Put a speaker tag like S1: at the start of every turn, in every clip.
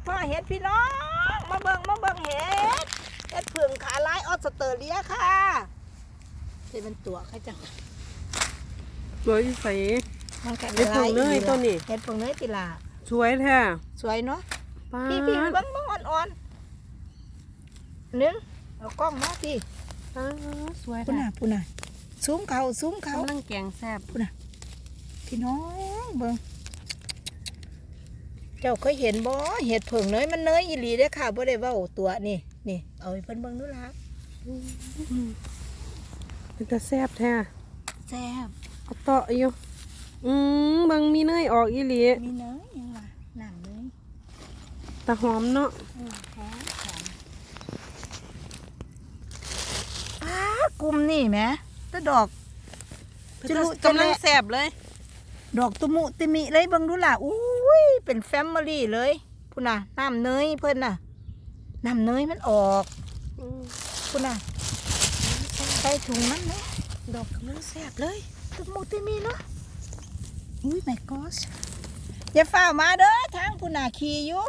S1: พ่อเห็ดพี่น้องมาเบิ่งเห็ดเผืองขาลายออสเตรเลียค่ะจะเป็นตัวใครจัง
S2: สวยใส
S1: มันกัน
S2: เห็ดเผืองเนยตัวนี้
S1: เห็ดเผืองเนยติลา
S2: สวยแท้
S1: สวยเนาะ
S2: ป้า
S1: พี่เบิ่งอ่อนๆนึงเอากล้องมาพี่
S2: สวย
S1: พุ่น
S2: แท้
S1: น่ะซูมเขา
S2: กำลังแกงแซ่บ
S1: พี่น้องเบิ่งเจ้าเคยเห็นบ่เห็ดเผืองเนยมันเนยอีหลีเด้อค่ะบ่ได้เว้าตัวนี่เอาให้เพิ่นเบิ่งดูล่ะ
S2: เป็นตาแซ่บแท้
S1: แซ่บ
S2: เอาเตาะอยู่เบิ่งมีเนยออกอีหลี
S1: มีเนยยังว่าน้ำเนย
S2: ตาหอมเนาะ
S1: หอมกลุ่มนี่แหมแต่ดอกจะรู้
S2: กำลังแซ่บเลย
S1: ดอกตุมุติมิเลยเบิ่งดูล่ะอุ้ยเป็นแฟมิลี่เลยพุ่นน่ะน้ำเนยเพิ่นน่ะน้ำเนยมันออกพุ่นน่ะใส่ถุงมันเนาะดอกกำลังแซ่บเลยตุมุติมิเนาะอุ้ย my gosh อย่าฝ่ามาเด้อทางพุ่นน่ะขี่อยู่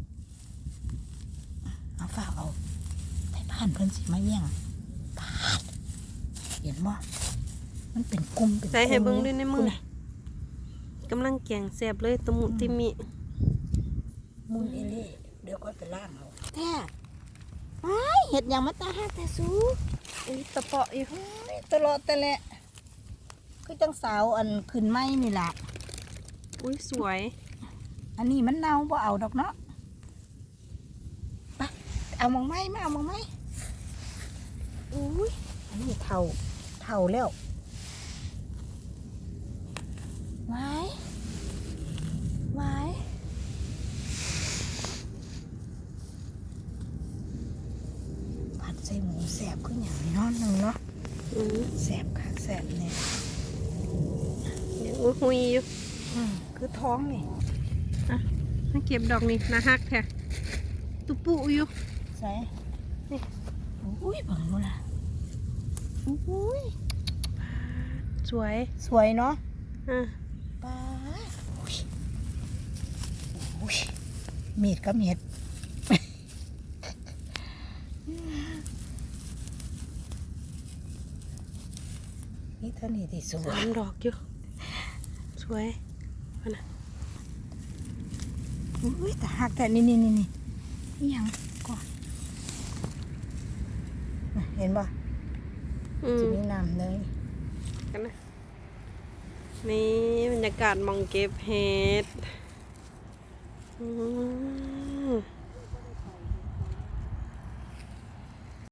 S1: เอาฝ่าเอาไปบ้านเพิ่นสิมาแย่งปาดเห็นบ่มันเป็นกลุ่มเป็น
S2: ใส่ให้เบิ่งด้วยในมือ
S1: พุ่นน่ะ
S2: กำลังแกงแซ่บเลยตะมุติมิ
S1: มูนเอเล่เดี๋ยวก็ไปล่างเอาแท้ไอ้เห็ดอย่างมาตาฮักแต่สู
S2: อุ้ยตะเปาะอยู่
S1: ตลอดแต่แหละคือจังสาวอันขึ้นไม้นี่ล่ะ
S2: อุ้ยสวย
S1: อันนี้มันเน่าบ่เอาดอกเนาะไปเอามองไม้มาเอามองไม้อุ้ยอันนี้เท่าแล้วไว้ผัดใส่หมูแสบขึ้นอย่างนี้เนาะหนึ่งเนาะแสบค่ะแสบเนี่ย
S2: อุ้ยหุยอยู่
S1: คือท้องนี่
S2: มาเก็บดอกนี่นะฮักแท้ตุปุอยู่
S1: ใส่นี่อุ้ยบังดูนะอุ้ย
S2: สวย
S1: สวยเนาะ
S2: อ่ะ
S1: ป้าอุ้ยมีดก็มีดนี่เท่านี้ที่สว
S2: สาย มดอกอยู่สวย
S1: อุ้ยแต่หักแต่นี่ยังก่อนเห็นป่ะจะมีน้ำเลย
S2: กันนะนี่บรรยากาศมองเก็บเห็ด